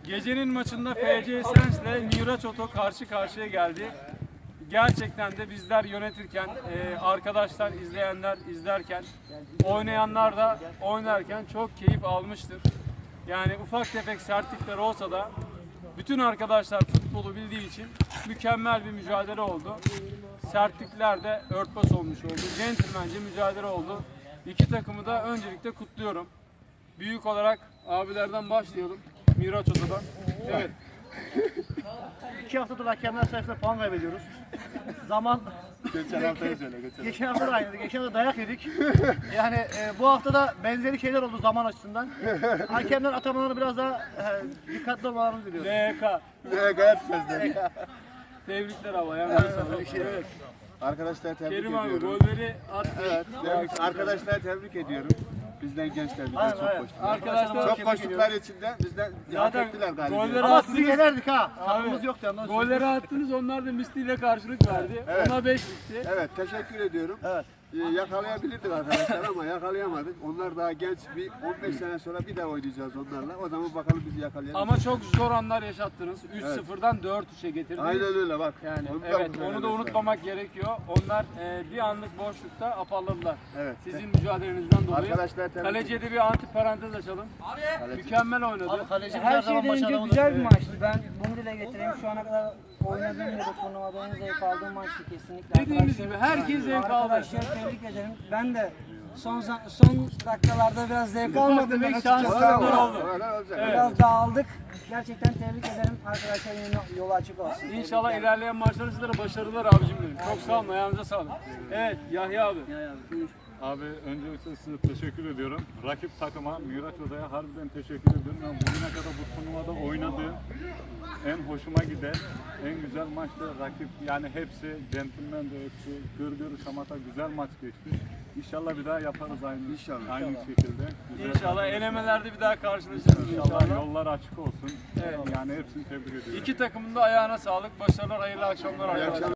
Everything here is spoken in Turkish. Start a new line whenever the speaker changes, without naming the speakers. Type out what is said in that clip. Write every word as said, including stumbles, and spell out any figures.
Gecenin maçında F C Sens ile Miraç Oto karşı karşıya geldi. Gerçekten de bizler yönetirken, e, arkadaşlar, izleyenler izlerken, oynayanlar da oynarken çok keyif almıştır. Yani ufak tefek sertlikler olsa da bütün arkadaşlar futbolu bildiği için mükemmel bir mücadele oldu. Sertlikler de örtbas olmuş oldu. Centilmence mücadele oldu. İki takımı da öncelikle kutluyorum. Büyük olarak abilerden başlayalım. Miraç Oto'dan. Evet.
İki haftadır hakemler sayesinde puan kaybediyoruz. Zaman...
Geçen haftayı söyle, geçen.
Geçen hafta da aynıydı. Geçen hafta dayak yedik. Yani e, bu hafta da benzeri şeyler oldu zaman açısından. Hakemler atamalarını biraz daha e, dikkatli olmalarını diliyoruz.
L K.
Ne gayet sözleri.
Tebrikler abi. Yani evet.
Arkadaşlar tebrik
Kerim abi
ediyorum.
golleri attı.
Evet, tebrik- arkadaşlar tebrik ediyorum. Bizden gençler bizden
Aynen,
çok
evet.
koştular.
Arkadaşlar
Çok koştuklar içinde bizden hak
zaten
ettiler galiba.
golleri
Ama
attınız.
sizi yenerdik ha.
Abi,
Hakkımız yoktu yalnız.
golleri attınız, onlar da misliyle karşılık verdi.
Evet.
Ona beş bitti.
Evet, teşekkür ediyorum.
Evet.
Ee, yakalayabilirdik arkadaşlar ama yakalayamadık. Onlar daha genç, bir on beş sene sonra bir daha oynayacağız onlarla. O zaman bakalım bizi yakalayabilir.
Ama çok zor anlar yaşattınız. üç sıfırdan dört üçe getirdiniz.
Aynen öyle bak.
Yani
Onu da
evet,
unutmayalım
onu da
lütfen.
unutmamak gerekiyor. Onlar e, bir anlık boşlukta apalladılar.
Evet.
Sizin mücadelenizden dolayı.
Arkadaşlar tebrik
Kaleciye de bir anti parantez açalım.
Kaleci.
Mükemmel oynadı.
Abi kaleci
Her
her zaman
şeyden önce
başarılı.
güzel bir maçtı. Ben bunu dile getireyim. Şu ana kadar oynadığım ya da turnuvada en zevk aldığım maçtı kesinlikle.
Dediğimiz
Arkadaşlar-
gibi herkes zevk aldı.
Arkadaşlar tebrik ederim. Ben de son za- son dakikalarda biraz zevk almadım.
demek
Ben
şanslı
açıkçası
oldu.
ama
oldu.
Öyle olacak.
Biraz dağıldık. Gerçekten tebrik ederim. Arkadaşlar yine yolu açık olsun.
İnşallah ilerleyen maçlarda sizlere başarılar abicim benim. Çok sağ olun, ayağınıza sağlık. Evet, Yahya abi.
Abi öncelikle size teşekkür ediyorum. Rakip takıma, Miraç Oda'ya harbiden teşekkür ediyorum. Ben bugüne kadar bu turnuvada oynadığım en hoşuma giden, en güzel maçtı. Rakip yani hepsi, centilmen de hepsi, gır gır şamata güzel maç geçti. İnşallah bir daha yaparız aynı,
İnşallah.
aynı şekilde. Güzel
İnşallah
maç.
elemelerde bir daha karşılaşırız
İnşallah
inşallah.
yollar açık olsun.
Evet.
Yani hepsini tebrik ediyorum.
İki takımın da ayağına sağlık. Başarılar, hayırlı akşamlar arkadaşlar.